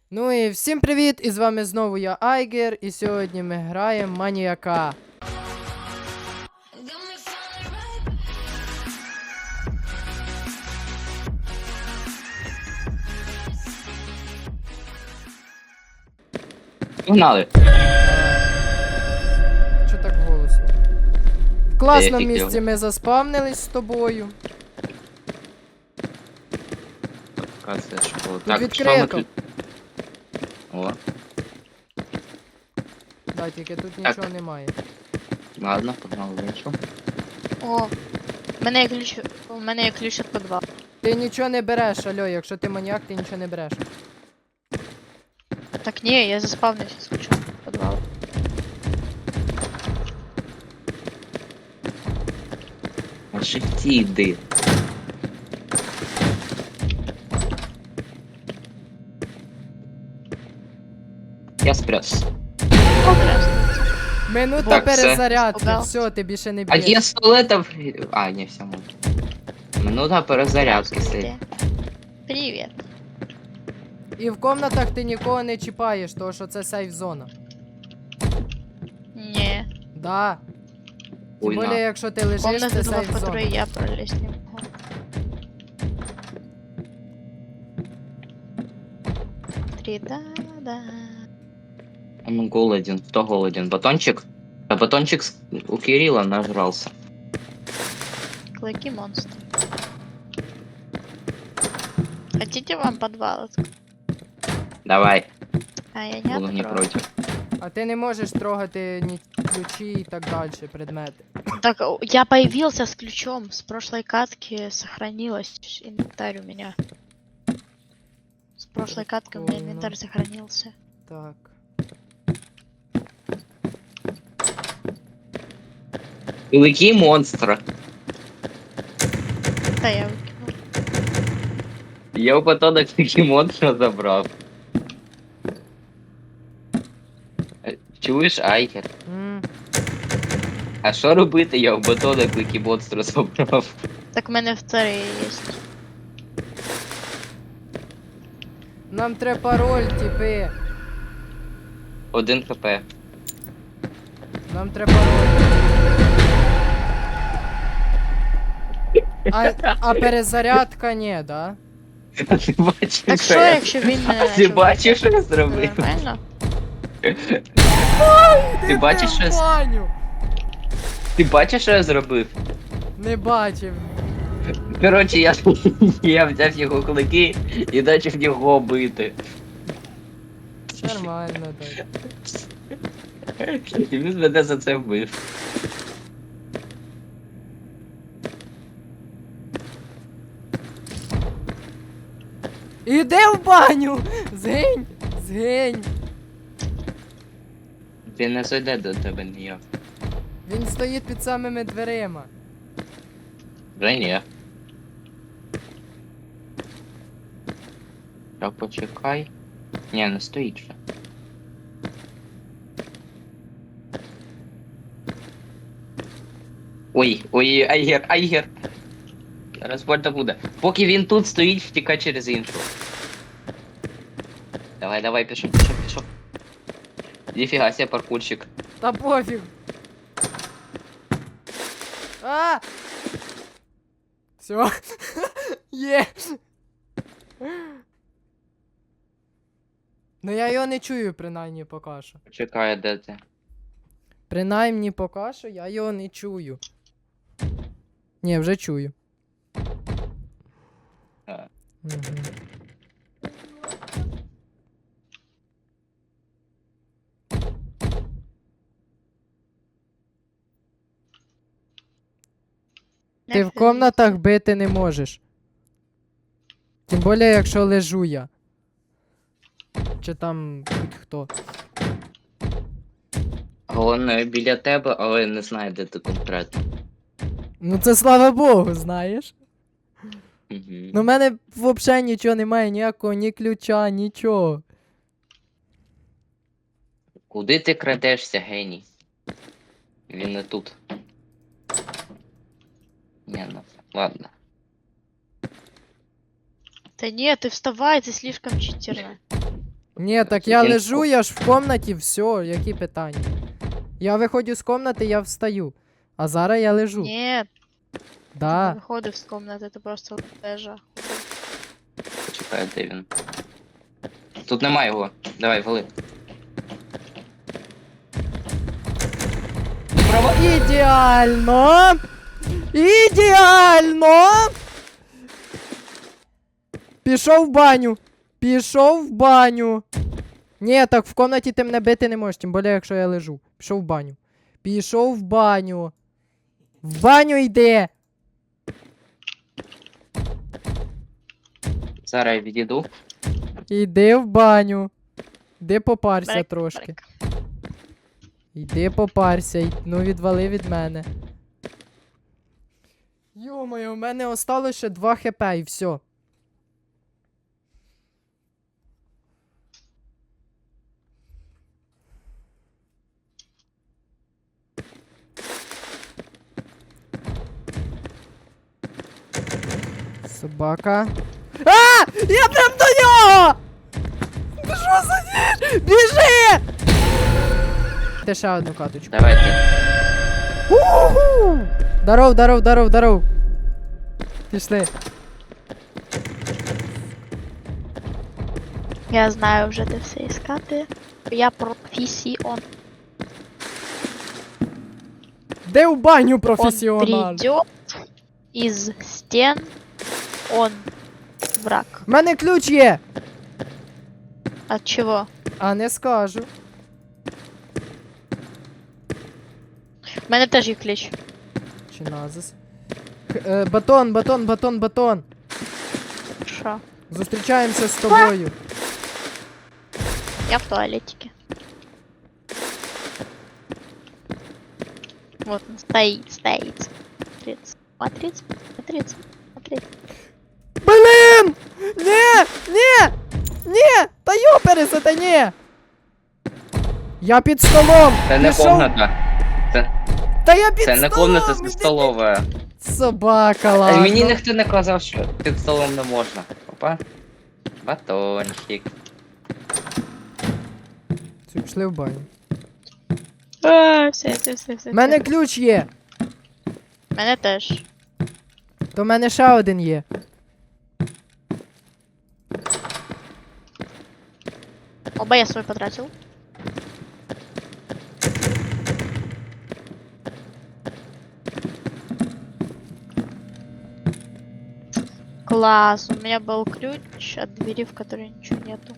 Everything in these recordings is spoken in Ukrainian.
Ну і всім привіт! І з вами знову я Айгер, і сьогодні ми граємо маніяка. Погнали. Що так голосно? В класному фіг місці його. ми заспавнились з тобою. Локація школи. Тут відкрито. О, Да, тільки тут Так. нічого немає. ладно, погнали в іншу. О, у мене є ключ від підвалу. Ти нічого не береш, альо, якщо ти маніяк, ти нічого не береш. Так ні, я заспавнився з ключом від підвалу. На шифті йди. Я спрятався. Минута Так, все. перезарядки, Испугався. все, ти більше не А б'єш. є столетов. А, не, все можна. Минута перезарядки стоїть. Привіт. І в комнатах ти нікого не чіпаєш, тому що це сейф зона. Ні. Да. Тим Ой, більше, на. якщо ти лежиш, Комната це була, в сейф зона. которой я пролезть не могу. Три-да-да. Он голоден. Кто голоден? Батончик? А батончик у Кирилла нажрался. Клыки монстр. Хотите вам подвал открыть? Давай, А я не буду не открою. против. А ти не можеш трогати ні ключі і так далі, предмети. Так, я появился с ключом. С прошлой катки сохранилось инвентарь у меня. С прошлой катки у меня Прикольно. инвентарь сохранился. Так. Великий монстр. Да, я выкинул. Я у батона великий монстр забрав. Чуєш, Айгер? М. А що робити? Я у батона великий монстр забрав. Так у меня вторые есть. Нам треба пароль, типи. 1 хп. Нам треба пароль. А перезарядка ні, да? А ти бачиш, Так що що, я? якщо він не А ти бачиш, що я зробив? Нормально? Ти бачиш, що в я... баню? Ти бачиш, що я зробив? Не бачив. Коротше, я взяв його кулаки і почав його бити. Нормально так. І він мене за це вбив. Іди в баню! Згинь! Згинь! Він не зайде до тебе ніяк. Він стоїть під самими дверима. Вже ні. Та почекай. Ні, не стоїть ще. Ой, ой, Айгер, Айгер. Зараз больно буде. Поки він тут стоїть, втікай через іншу. Давай, давай, пішов, пішов, пішов. Ніфіга себе паркурщик. Та пофіг. А! Все. Є. Ну я його не чую, принаймні поки що. Почекай, де ти? Принаймні поки що я його не чую. Ні, вже чую. А. Угу. Ти в комнатах бити не можеш. Тим більше, якщо лежу я. Чи там будь-хто. Головне біля тебе, але не знаю, де ти конкретно. Ну це слава Богу, знаєш. Угу. Ну в мене взагалі нічого немає, ніякого, ні ключа, нічого. Куди ти крадешся, геній? Він не тут. Ні, ну, ладно. Да нет, ты вставай, ты слишком читерно. Ні, так я Він- лежу, я ж в комнаті, все, які питання? Я виходжу з комнати, я встаю. А зараз я лежу. Нет, ты Да. не выходишь с комнаты, ты просто лежа. Чекай, де він. Тут немає його. Давай, вали. Ідеально! Ідеально! Пішов в баню. Пішов в баню. Ні, так в комнаті ти мене бити не можеш, тим більше, якщо я лежу. Пішов в баню. Пішов в баню. В баню йди. Зараз я відійду. Іди в баню. Іди попарся Брек, трошки. брек. Іди попарся, ну відвали від мене. Йо-моє, у мене осталось ще 2 хп і все. Собака. А! Я прям до нього! Ти що за ніч? Біжи! Ти ще одну каточку. Давайте. Уху! Даров, даров, даров, даров. Пішли. Я знаю вже де все іскати. Я професіон. Де в баню Он професіонал? придет из стен. Он враг. У мене ключ є. От чего? А не скажу. У мене теж є ключ. Чи назис? Батон, батон, батон, батон. Що? Зустрічаємося з тобою. Я в туалетике. Вот он стоит, стоит. Смотрит, смотрит, смотрит. Блін! Ні! Ні! Ні! Та йопереса, та ні! Я під столом! Це не Пішов- комната. Та я під Це не столом! комната, це столова. Собака, ладно. Мені ніхто не казав, що під столом не можна. Опа. Батончик. Все, пішли в баню. Все. У мене ключ є. Мене теж. То в мене ще один є. Оба я свой потратил. Класс, у меня был ключ от двери, в которой ничего нету.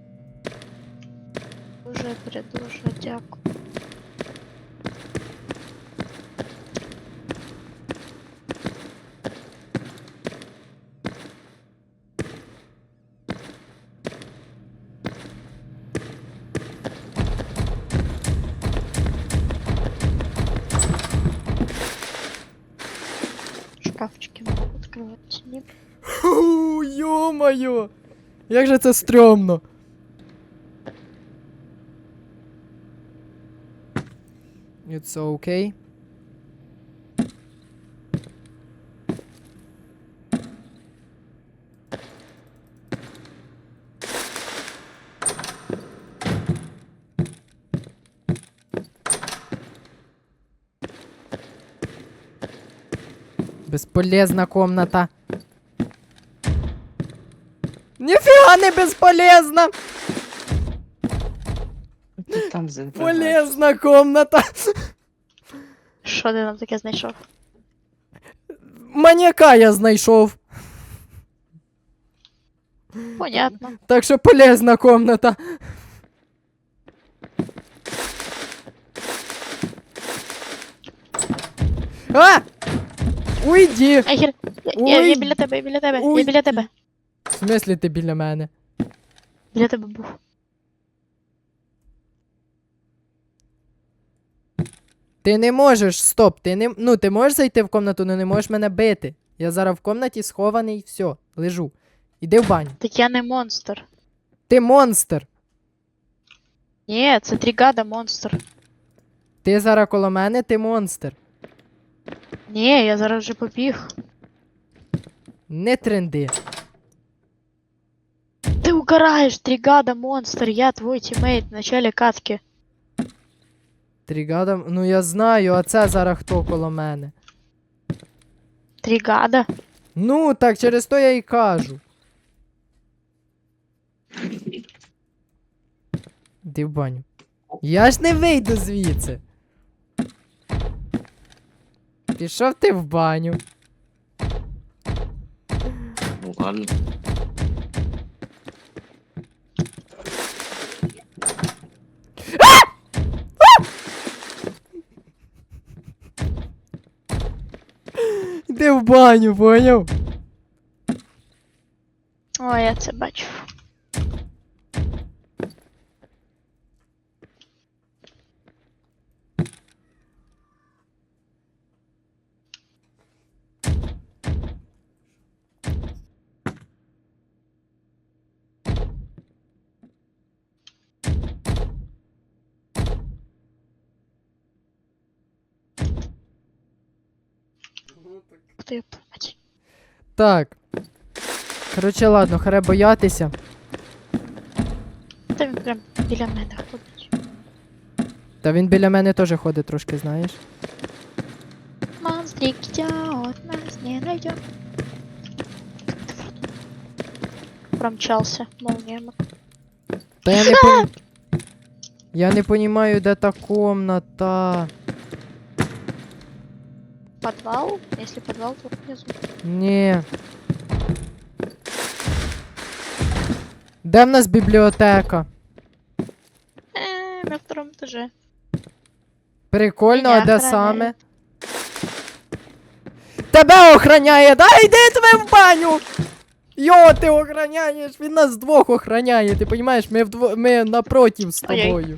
Уже дякую. Шкафчики могу открывать. Нет. Фу, йо-моє! Як же це стрьомно. It's okay. Бесполезна комната. Ніфіга не безполезна! Ти там забираєш. Полезна комната! Що ти нам таке знайшов? Маньяка я знайшов. Понятно. Так що полезна комната. А! Уйди! Ахер, я Ой. біля тебе, я біля тебе, Ой. я біля тебе. В смислі ти біля мене? Біля тебе був. Ти не можеш, стоп, ти не. Ну, ти можеш зайти в комнату, але не можеш мене бити. Я зараз в комнаті схований, все, лежу. Іди в баню. Так я не монстр. Ти монстр. Ні, це Трігада монстр. Ти зараз коло мене, ти монстр. Ні, я зараз вже побіг. Не тренди. Ти угораешь, Тригада, монстр, я твой тиммейт в начале катки. Тригада, ну я знаю, а це зараз хто коло мене? Тригада? Ну, так через то я і кажу. Іди в баню. Я ж не вийду звідси. Пішов ти в баню. Ну ладно. Іди в баню, поняв? О, я це бачу. Ух ти, блядь. Так. Коротше, ладно, харе боятися. Та він прям біля мене ходить. Та він біля мене теж ходить трошки, знаєш. Монстрик идет, нас не найдет. Промчался молнией. Та я не пон... Я не понімаю, де та комната. Подвал? Если подвал, то внизу. Ні. Де в нас бібліотека? На втором этаже. Прикольно, Мене а де охороняють. саме? Тебе охраняє, да? Йди тебе в баню! Йо, ти охраняєш, він нас двох охраняє, ти розумієш, ми напротив з Ой-ой. тобою.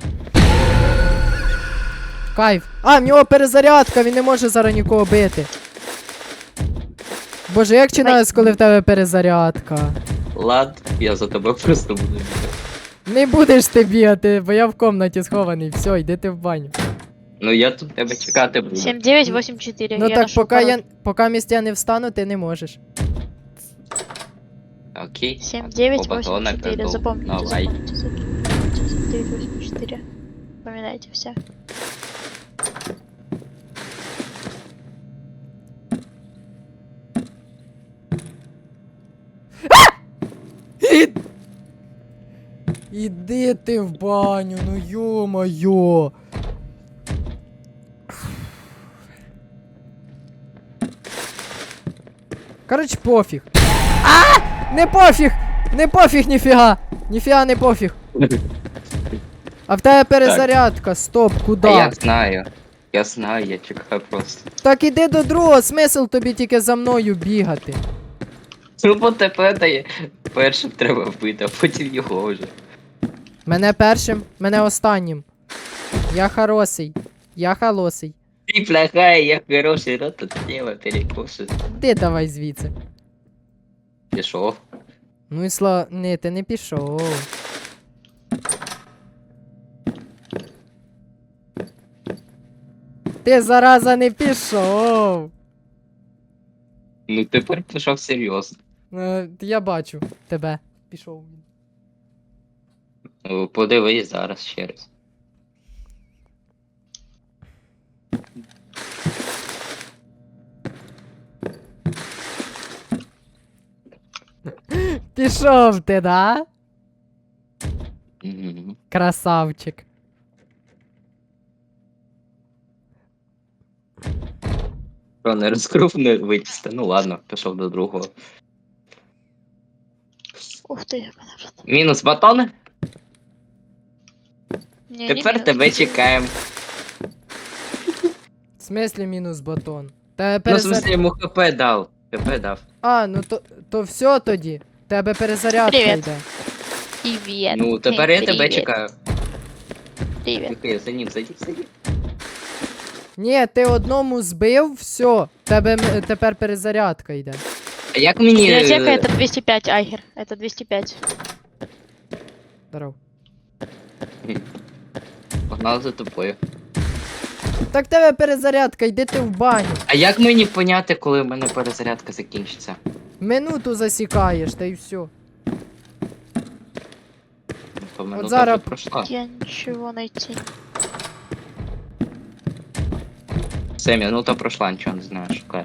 Кайф. А, в нього перезарядка, він не може зараз нікого бити. Боже, як чинається, коли в тебе перезарядка? Лад, я за тебе просто буду бігати. Не будеш ти бігати, бо я в комнаті схований. Все, йди ти в баню. Ну я тут тебе чекати буду. 7984. Ну я так, нашел поки місць я не встану, ти не можеш. Окей. 7984. Оба Запомните, Давай. запомните. 7984. Запоминайте все. Іди ти в баню, ну йо-моє. Коротше, пофіг. А! Не пофіг! Не пофіг ніфіга! Ніфіга не пофіг. А в тебе перезарядка, стоп, куди? Я знаю, я чекаю просто. Так іди до другого, смисл тобі тільки за мною бігати. Ну бо тебе дає. Першим треба вбити, а потім його вже. Мене першим, мене останнім. Я хороший. Я холосий. Ти плохая, я хороший, рот тут тіло перекушить. Ти давай звідси. Пішов. Ну і Ні, ти не пішов. Ти, зараза, не пішов. Ну тепер пішов серйозно. Я бачу тебе. Пішов він. Ну, подивись зараз ще раз. Пішов ти, да? Мгм. Красавчик. Що, не розкрив, не вичисти. Ну ладно, пішов до другого. Ух ты, мене вже. Мінус батон. Ні, Тепер ні, тебе чекаємо. В смислі мінус батон? Тебе Ну, в перезарядка. смысле, йому ХП дав. ХП дав. А, ну то все тоді. Тебе перезарядка Привіт. йде. Привіт. Ну, тепер я тебе Привіт. чекаю. Привіт. Тільки за ним, за ним. Ні, ти одному збив, все. Тепер перезарядка йде. А як мені... Библиотека это 205, Айгер. Это 205. Здоров. Погнали за тобою. Так тебе перезарядка, йди ти в баню. А як мені поняти, коли в мене перезарядка закінчиться? Минуту засікаєш, та й все. Минута зараз- вже пройшла. Я ничего найти. Все, минута пройшла, нічого не знаю, шукай.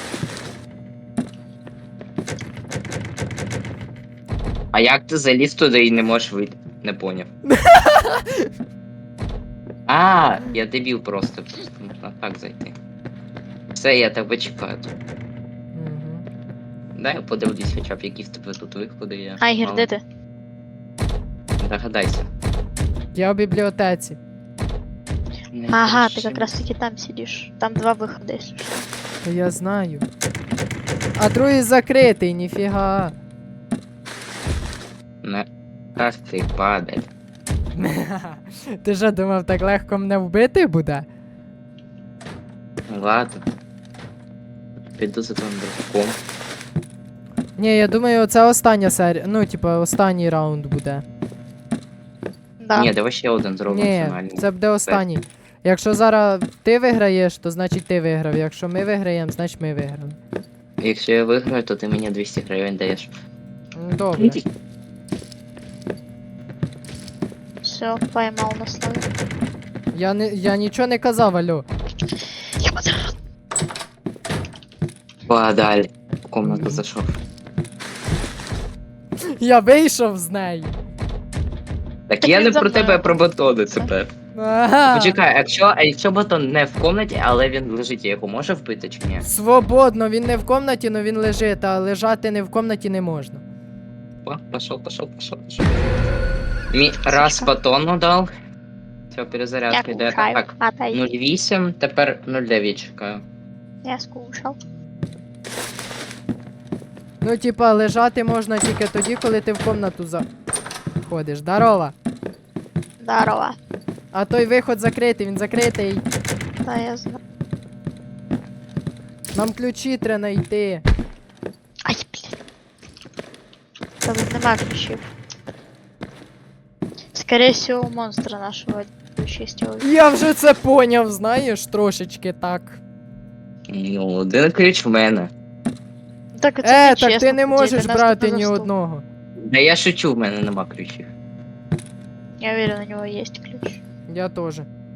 А як ти заліз туди і не можеш вийти? Не поняв. А, я дебіл просто можна так зайти. Все, я тебе чекаю тут. Угу. Дай я подивлюсь хоча б, які в тебе тут виходи є. Айгер, Мало. де ти? Догадайся. Я в бібліотеці. Не Ага, кричи. ты как раз таки там сидишь. Там два выхода, если что. Та я знаю. А другий закритий, ніфіга. Не. Раз ти падай. Ти що думав, так легко мене вбити буде? Ладно. Піду за твоїм братком. Ні, я думаю, це остання серія. Ну, типа, останній раунд буде. Да. Ні, давай ще один зробимо Ні, фінальний. це буде останній. Якщо зараз ти виграєш, то значить ти виграв. Якщо ми виграємо, значить ми виграли. Якщо я виграю, то ти мені 200 гривень даєш. Добре. Все, поймал на слове. Я нічого не казав, алло. Я потерял. Подалі. В комнату зайшов. Я вийшов з неї. Так Так я він не за про мною. тебе, а про батони тепер. Ага. Почекай, якщо батон не в комнаті, але він лежить, я його можу вбити чи ні? Свободно, він не в комнаті, але він лежить, а лежати не в комнаті не можна. О, пошел. Раз батону дав. Все, Я перезарядка йде. кушаю. Так, Отойди. 0,8, тепер 0,9 чекаю. Я скушал. Ну, типа, лежати можна тільки тоді, коли ти в комнату заходиш. Здорово. Здорово. А той виход закритий, він закритий. Да, я знаю. Нам ключі треба знайти. Ай, блин. Там нема ключів. Скорее всего, у монстра нашего ключ Я вже це поняв, знаєш, трошечки так. Ну, один ключ в мене. Так, это Так нечестно, ти не по можеш идее, нас брати кто-то ні застул. одного. Да я шучу, в мене нема ключів. Я уверен, у него есть ключ. Я теж.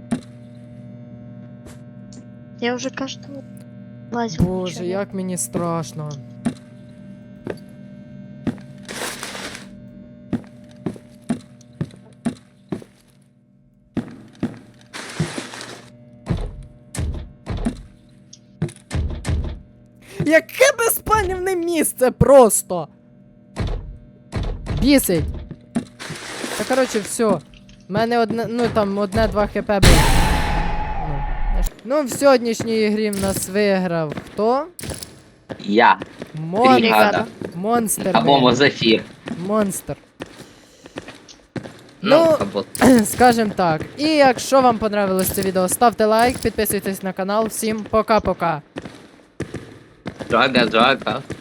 Я уже каждого лазил. Боже, ничего нет. як мені страшно. Яке безпальне місце просто! Бісить! Та коротше, все. У мене одне, ну там одне-два хп було. Ну, в сьогоднішній грі в нас виграв хто? Я. Бригада. Монстр. Або виграв. Мозафір. Монстр. Ну, Ну, або... Скажем так. І якщо вам понравилось це відео, ставте лайк, підписуйтесь на канал. Всім пока-пока. Джага.